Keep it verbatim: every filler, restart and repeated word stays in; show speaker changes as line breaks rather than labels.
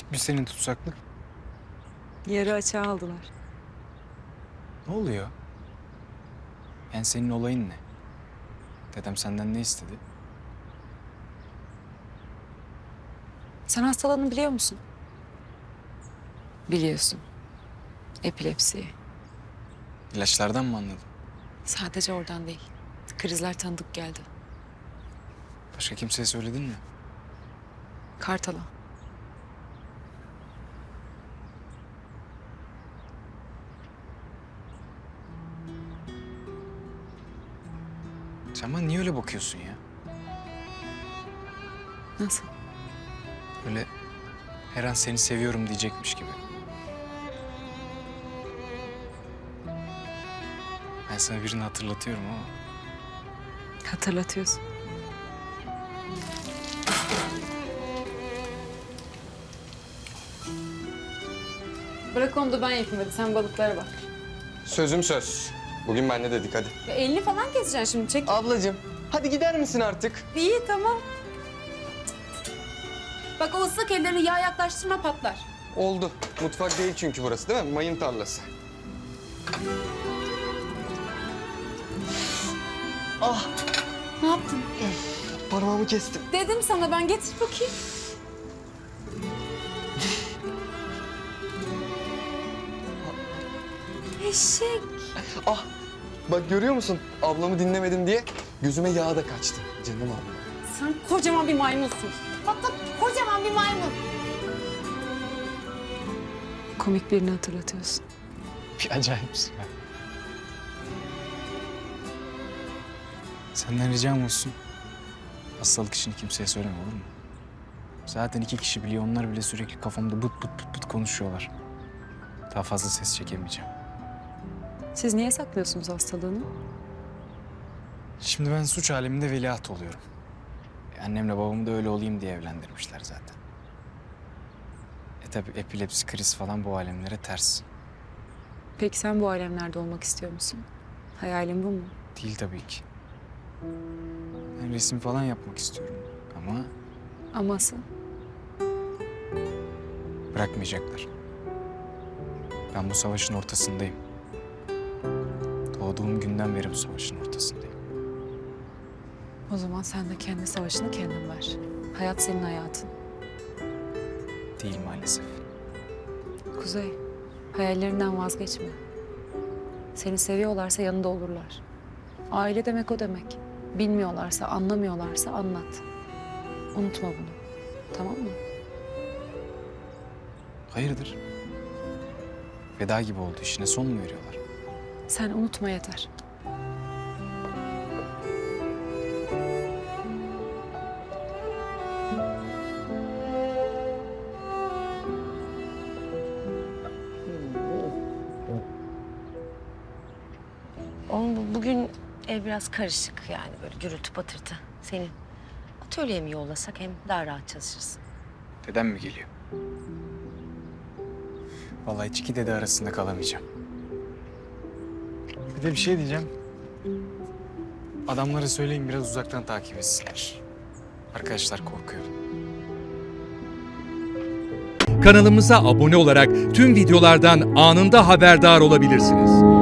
bitmiş senin tutsaklık.
Yarı açığa aldılar.
Ne oluyor? Yani senin olayın ne? Dedem senden ne istedi?
Sen hastalığını biliyor musun? Biliyorsun. Epilepsi.
İlaçlardan mı anladın?
Sadece oradan değil. Krizler tanıdık geldi.
Başka kimseye söyledin mi?
Kartal'a.
Sen bana niye öyle bakıyorsun ya?
Nasıl?
Öyle her an seni seviyorum diyecekmiş gibi. Ben sana birini hatırlatıyorum ama
Hatırlatıyorsun. Bırak onu da ben yapayım hadi. Sen balıklara bak.
Sözüm söz. Bugün ben ne dedik hadi.
Ya elini falan keseceksin şimdi. Çek.
Ablacığım hadi gider misin artık?
İyi tamam. Bak o ıslak ellerini yağ yaklaştırma patlar.
Oldu. Mutfak değil çünkü burası değil mi? Mayın tarlası. Ah
Ne yaptın?
parmağımı kestim.
Dedim sana ben getir bakayım. Eşek.
Ah bak görüyor musun? Ablamı dinlemedim diye gözüme yağ da kaçtı. Canım ablam.
Sen kocaman bir maymunsun. Hatta kocaman bir maymun. Komik birini hatırlatıyorsun.
bir acayipsin ya. Senden ricam olsun. Hastalık işini kimseye söyleme olur mu? Zaten iki kişi biliyor. Onlar bile sürekli kafamda bıt bıt bıt bıt konuşuyorlar. Daha fazla ses çekemeyeceğim.
Siz niye saklıyorsunuz hastalığını?
Şimdi ben suç aleminde veliaht oluyorum. E, Annemle babamı da öyle olayım diye evlendirmişler zaten. E tabi epilepsi, kriz falan bu alemlere ters.
Peki sen bu alemlerde olmak istiyor musun? Hayalin bu mu?
Değil tabii ki. Ben resim falan yapmak istiyorum ama
Aması.
bırakmayacaklar. Ben bu savaşın ortasındayım. Doğduğum günden beri bu savaşın ortasındayım.
O zaman sen de kendi savaşını kendin ver. Hayat senin hayatın.
Değil maalesef.
Kuzey, hayallerinden vazgeçme. Seni seviyorlarsa yanında olurlar. Aile demek o demek. Bilmiyorlarsa, anlamıyorlarsa anlat. Unutma bunu. Tamam mı?
Hayırdır? Veda gibi oldu. İşine son mu veriyorlar?
Sen unutma yeter.
Oğlum bu- bugün ev biraz karışık yani böyle gürültü patırtı. Senin atölyeye mi yollasak hem daha rahat çalışırsın.
Dedem mi geliyor? Vallahi hiç iki dede arasında kalamayacağım. Bir de bir şey diyeceğim. Adamlara söyleyin biraz uzaktan takip etsinler. Arkadaşlar korkuyor.
Kanalımıza abone olarak tüm videolardan anında haberdar olabilirsiniz.